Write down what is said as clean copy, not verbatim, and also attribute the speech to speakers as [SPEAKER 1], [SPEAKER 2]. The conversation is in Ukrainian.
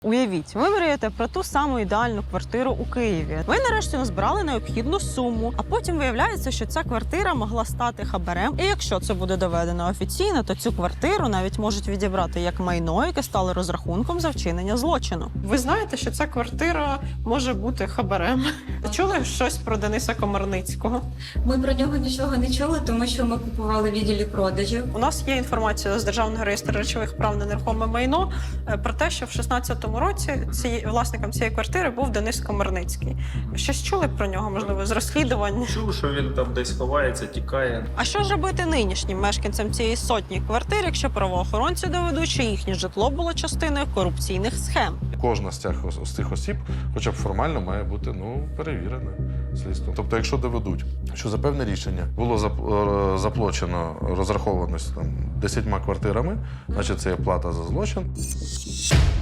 [SPEAKER 1] Уявіть, ви мрієте про ту саму ідеальну квартиру у Києві. Ви нарешті назбирали необхідну суму, а потім виявляється, що ця квартира могла стати хабарем. І якщо це буде доведено офіційно, то цю квартиру навіть можуть відібрати як майно, яке стало розрахунком за вчинення злочину. Ви знаєте, що ця квартира може бути хабарем? Чули щось про Дениса Комарницького?
[SPEAKER 2] Ми про нього нічого не чули, тому що ми купували в відділі продажів.
[SPEAKER 1] У нас є інформація з Державного реєстру речових прав на нерухоме майно про те, що в 16-му році власником цієї квартири був Денис Комарницький. Щось чули про нього, можливо, з розслідувань?
[SPEAKER 3] Чув, що він там десь ховається, тікає.
[SPEAKER 1] А що ж робити нинішнім мешканцям цієї сотні квартир, якщо правоохоронці доведуть, що їхнє житло було частиною корупційних схем?
[SPEAKER 4] Кожна з цих осіб, хоча б формально, має бути перевірена слідством. Тобто, якщо доведуть, що за певне рішення було заплачено, розраховано 10 квартирами, значить це є плата за злочин.